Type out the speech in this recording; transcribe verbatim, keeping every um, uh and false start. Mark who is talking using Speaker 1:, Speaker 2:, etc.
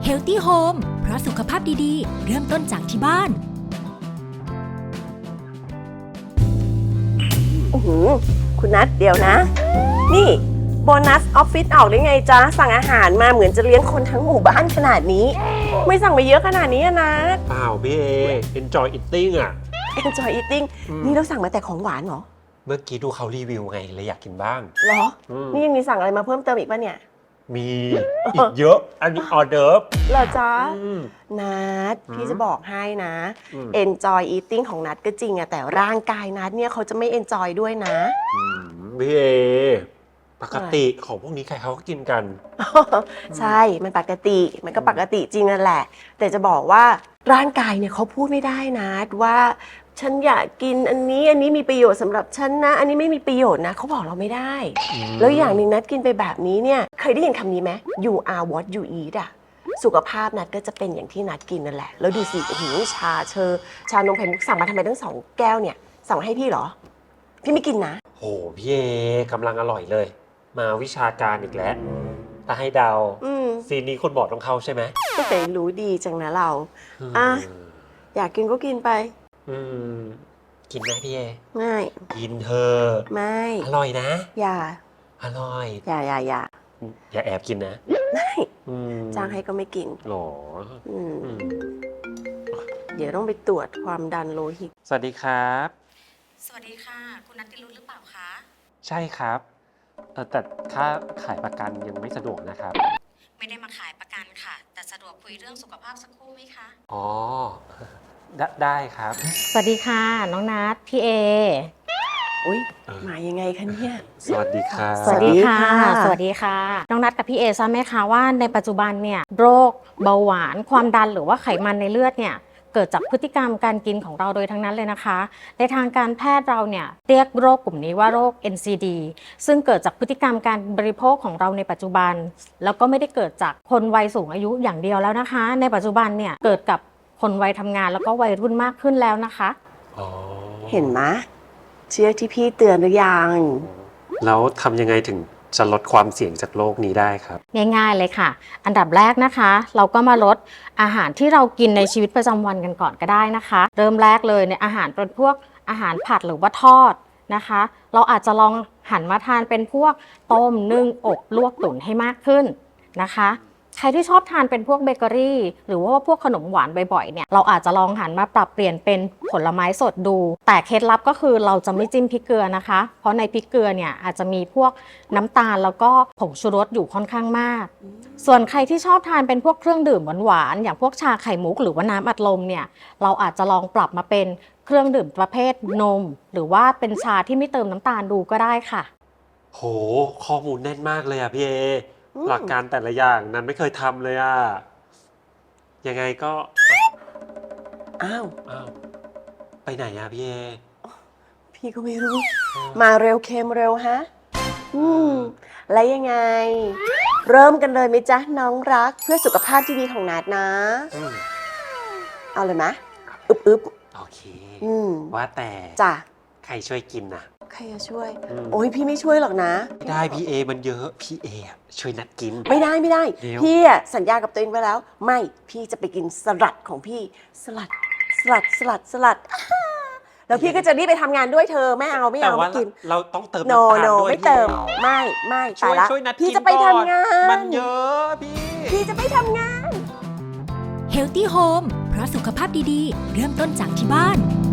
Speaker 1: Healthy Home เพราะสุขภาพดีๆเริ่มต้นจากที่บ้าน
Speaker 2: อือหือคุณนัทเดี๋ยวนะนี่โบนัสออฟฟิศออกได้ไงจ๊ะสั่งอาหารมาเหมือนจะเลี้ยงคนทั้งหมู่บ้านขนาดนี้ไม่สั่งมาเยอะขนาดนี้อะนะ
Speaker 3: เปล่าพี่เอ enjoy eating อ่ะ
Speaker 2: enjoy eating นี่เราสั่งมาแต่ของหวานเหรอ
Speaker 3: เมื่อกี้ดูเขารีวิวไงเลยอยากกินบ้าง
Speaker 2: เหรอนี่ยังมีสั่งอะไรมาเพิ่มเติมอีกป่ะเนี่ย
Speaker 3: มีอีกเยอะอันนี้ออเดิร์ฟ
Speaker 2: เหรอจ๊ะนัทพี่จะบอกให้นะ enjoy eating ของนัทก็จริงอะแต่ร่างกายนัทเนี่ยเขาจะไม่ enjoy ด้วยนะ
Speaker 3: พี่เอปกติของพวกนี้ใครเขาก็กินกัน
Speaker 2: ใช่มันปกติมันก็ปกติจริงนั่นแหละแต่จะบอกว่าร่างกายเนี่ยเขาพูดไม่ได้นะว่าฉันอยากกินอันนี้อันนี้มีประโยชน์สำหรับฉันนะอันนี้ไม่มีประโยชน์นะเขาบอกเราไม่ได้แล้วอย่างหนึ่งนัดกินไปแบบนี้เนี่ยเคยได้ยินคำนี้ไหม you are what you eat อะสุขภาพนัดก็จะเป็นอย่างที่นัดกินนั่นแหละแล้วดูสิโอ้โหชาเชอชานมไข่มุกสั่งมาทำไมตั้งสองแก้วเนี่ยสั่งมาให้พี่เหรอพี่ไม่กินนะ
Speaker 3: โหพี่เอกำลังอร่อยเลยมาวิชาการอีกแล้วถ้าให้เดาซีนนี้คนบอกต้องเข้าใช่ไหม
Speaker 2: ก็แต่รู้ดีจังนะเราอ่ะอยากกินก็กินไป
Speaker 3: อืมกินไหมพี่เอ
Speaker 2: ง่าย
Speaker 3: กินเธอ
Speaker 2: ไม่
Speaker 3: อร่อยนะ
Speaker 2: อย่า
Speaker 3: อร่อย
Speaker 2: อย่าอย่าอย่า
Speaker 3: อย่าแอบกินนะ
Speaker 2: ไม่จ้างให้ก็ไม่กิน
Speaker 3: หรอ
Speaker 2: เดี๋ยวต้องไปตรวจความดันโลหิต
Speaker 3: สวัสดีครับ
Speaker 4: สวัสดีค่ะคุณนัทติรุธหรือเปล่าคะ
Speaker 3: ใช่ครับแต่ค่าขายประกันยังไม่สะดวกนะครับ
Speaker 4: ไม่ได้มาขายประกันค่ะแต่สะดวกคุยเรื่องสุขภาพสักครู่ไหมคะ
Speaker 3: อ๋อได้ครับ
Speaker 4: สวัสดีค่ะน้องนัทพี่เอ
Speaker 2: อุ้ยมายังไงคะเนี่ย
Speaker 3: สวัสดีค่ะ
Speaker 4: สวัสดีค่ะสวัสดีค่ะน้องนัทกับพี่เอทราบไหมคะว่าในปัจจุบันเนี่ยโรคเบาหวานความดันหรือว่าไขมันในเลือดเนี่ยเกิดจากพฤติกรรมการกินของเราโดยทั้งนั้นเลยนะคะในทางการแพทย์เราเนี่ยเรียกโรคกลุ่มนี้ว่าโรค เอ็น ซี ดี ซึ่งเกิดจากพฤติกรรมการบริโภคของเราในปัจจุบันแล้วก็ไม่ได้เกิดจากคนวัยสูงอายุอย่างเดียวแล้วนะคะในปัจจุบันเนี่ยเกิดกับคนวัยทำงานแล้วก็วัยรุ่นมากขึ้นแล้วนะคะ
Speaker 2: เห็นไหมเชื่อที่พี่เตือนหรือยัง
Speaker 3: แล้วทำยังไงถึงจะลดความเสี่ยงจากโรคนี้ได้ครับ
Speaker 4: ง่ายๆเลยค่ะอันดับแรกนะคะเราก็มาลดอาหารที่เรากินในชีวิตประจำวันกันก่อนก็ได้นะคะเริ่มแรกเลยในอาหารเป็นพวกอาหารผัดหรือว่าทอดนะคะเราอาจจะลองหันมาทานเป็นพวกต้มนึ่งอบลวกตุ๋นให้มากขึ้นนะคะใครที่ชอบทานเป็นพวกเบเกอรี่หรือว่าพวกขนมหวานบ่อยๆเนี่ยเราอาจจะลองหันมาปรับเปลี่ยนเป็นผลไม้สดดูแต่เคล็ดลับก็คือเราจะไม่จิ้มพริกเกลือนะคะเพราะในพริกเกลือเนี่ยอาจจะมีพวกน้ำตาลแล้วก็ผงชูรสอยู่ค่อนข้างมากส่วนใครที่ชอบทานเป็นพวกเครื่องดื่มหวานๆอย่างพวกชาไข่มุกหรือว่าน้ำอัดลมเนี่ยเราอาจจะลองปรับมาเป็นเครื่องดื่มประเภทนมหรือว่าเป็นชาที่ไม่เติมน้ำตาลดูก็ได้ค่ะ
Speaker 3: โหข้อมูลแน่นมากเลยอ่ะพี่เอหลักการแต่ละอย่างนั้นไม่เคยทำเลยอ่ะยังไงก็
Speaker 2: อ้าว
Speaker 3: อ้าวไปไหนอ่ะพี่เอ
Speaker 2: พี่ก็ไม่รู้มาเร็วเค็มเร็วฮะอืมแล้วยังไงเริ่มกันเลยไหมจ๊ะน้องรักเพื่อสุขภาพที่ดีของนัดนะเอาเลยไหมอึบอึบ
Speaker 3: โอเคว่าแต่
Speaker 2: จ้ะ
Speaker 3: ใครช่วยกินนะ
Speaker 2: ใครจะช่วยโอ้ยพี่ไม่ช่วยหรอกนะ
Speaker 3: ไม่ได้พี่เอมันเยอะพี่เอช่วยนัดกิน
Speaker 2: ไม่ได้ไม่ได้พี่สัญญากับตัวเองไว้แล้วไม่พี่จะไปกินสลัดของพี่สลัดสลัดสลัดสลัดแล้วพี่ก็จะรีบไปทำงานด้วยเธอไม่เอาไม่เอาไม่กิน
Speaker 3: เราต้องเติม
Speaker 2: น้ำตาลด้วยไม่เติมไม่ไม่
Speaker 3: ช่วยช่วยนัด
Speaker 2: พี่จะไปทำงาน
Speaker 3: มันเยอะพี่
Speaker 2: พี่จะไปทำงาน
Speaker 1: Healthy Home เพราะสุขภาพดีๆเริ่มต้นจากที่บ้าน